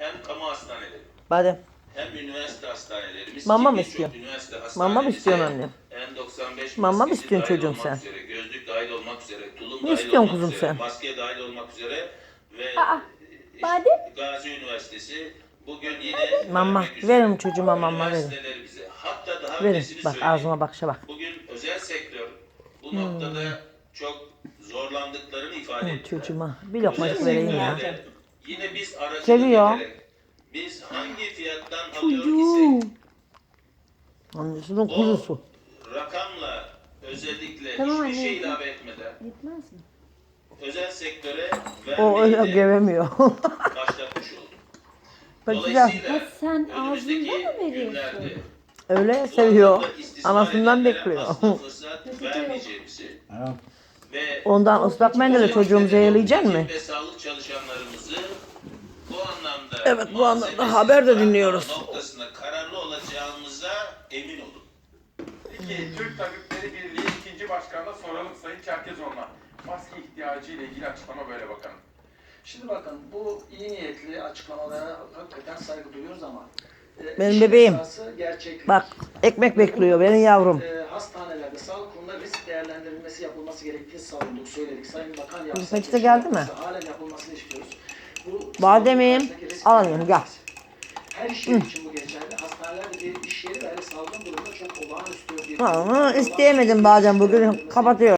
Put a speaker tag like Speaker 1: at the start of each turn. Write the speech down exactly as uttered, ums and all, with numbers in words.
Speaker 1: hem kamu hastaneleri,
Speaker 2: Badem.
Speaker 1: hem üniversite hastanelerimiz.
Speaker 2: Mama
Speaker 1: ki
Speaker 2: mı
Speaker 1: birçok
Speaker 2: istiyorsun?
Speaker 1: üniversite
Speaker 2: Mama mı istiyorsun
Speaker 1: hastanelerimize
Speaker 2: annem?
Speaker 1: N doksan beş
Speaker 2: Mama mı
Speaker 1: maskesi
Speaker 2: istiyorsun
Speaker 1: dahil
Speaker 2: çocuğum
Speaker 1: olmak
Speaker 2: sen?
Speaker 1: üzere, gözlük dahil olmak üzere, tulum
Speaker 2: Ne
Speaker 1: dahil
Speaker 2: istiyorsun
Speaker 1: olmak
Speaker 2: kuzum
Speaker 1: üzere,
Speaker 2: sen?
Speaker 1: maske dahil olmak üzere ve
Speaker 3: Aa,
Speaker 1: işte
Speaker 3: badem.
Speaker 1: Gazi Üniversitesi bugün yine
Speaker 2: Mama.
Speaker 1: vermek üzere.
Speaker 2: Verin çocuğuma mama verin.
Speaker 1: Üniversiteler bize. Hatta daha
Speaker 2: Verin.
Speaker 1: ötesini
Speaker 2: Bak
Speaker 1: söyleyeyim.
Speaker 2: ağzıma bakışa bak.
Speaker 1: Bugün özel sektör bu
Speaker 2: Hmm.
Speaker 1: noktada çok zorlandıklarını ifade
Speaker 2: Hı,
Speaker 1: ettiler.
Speaker 2: çocuğuma bir
Speaker 1: Özel
Speaker 2: lokmacık vereyim ya.
Speaker 1: sektörde yine biz aracılık
Speaker 2: Seviyor.
Speaker 1: ederek biz hangi fiyattan
Speaker 2: Çocuğum.
Speaker 1: alıyor isek
Speaker 2: Annesinin
Speaker 1: o
Speaker 2: kuzusu.
Speaker 1: rakamla özellikle
Speaker 3: Tamam
Speaker 1: hiçbir
Speaker 3: anne,
Speaker 1: şey
Speaker 3: yeter.
Speaker 1: ilave etmeden
Speaker 3: Yetmez mi?
Speaker 1: özel sektöre
Speaker 2: O öyle
Speaker 1: vermeyi de
Speaker 2: gevemiyor.
Speaker 1: başlatmış olduk.
Speaker 2: Bak güzel.
Speaker 1: Dolayısıyla
Speaker 3: Ha, sen
Speaker 1: önümüzdeki
Speaker 3: ağzından mı veriyorsun?
Speaker 1: günlerde
Speaker 2: Öyle
Speaker 1: bu
Speaker 2: seviyor.
Speaker 1: anlamda istismar
Speaker 2: Anasından
Speaker 1: edenlere
Speaker 2: bekliyor.
Speaker 1: asla fırsat vermeyeceğimizi ve
Speaker 2: Ondan ıslak mendille çocuğumu zehirleyecek mi?
Speaker 1: Ve sağlık çalışanlarımızı bu anlamda
Speaker 2: Evet, bu anlamda
Speaker 1: malzemesiz
Speaker 2: haber de
Speaker 1: bırakmama
Speaker 2: dinliyoruz.
Speaker 1: noktasında kararlı olacağımıza emin olun.
Speaker 4: Peki Türk Tabipleri Birliği ikinci başkanına soralım Sayın Çerkezoğlu'na. Maske ihtiyacı ile ilgili açıklama böyle bakalım.
Speaker 5: Şimdi bakın bu iyi niyetli açıklamalara hakikaten saygı duyuyoruz ama e,
Speaker 2: Benim
Speaker 5: işin
Speaker 2: bebeğim.
Speaker 5: esası gerçeklik.
Speaker 2: Bak ekmek bekliyor benim yavrum.
Speaker 5: E, hastanelerde sağlık kurumunda risk değerlendirilmesi yapılması gerektiğini savunduk, söyledik. Sayın Bakan yapsa.
Speaker 2: Peçete geldi mi?
Speaker 5: Halen yapılmasını istiyoruz. Bu,
Speaker 2: Bademim,
Speaker 5: sağlık risk
Speaker 2: al
Speaker 5: değerlendirmesi.
Speaker 2: gel.
Speaker 5: Her iş yeri için bu geçerli. Hastanelerde bir iş yeri ve salgın durumunda çok olağanüstü bir...
Speaker 2: Ama isteyemedim bazen bugün kapatıyor.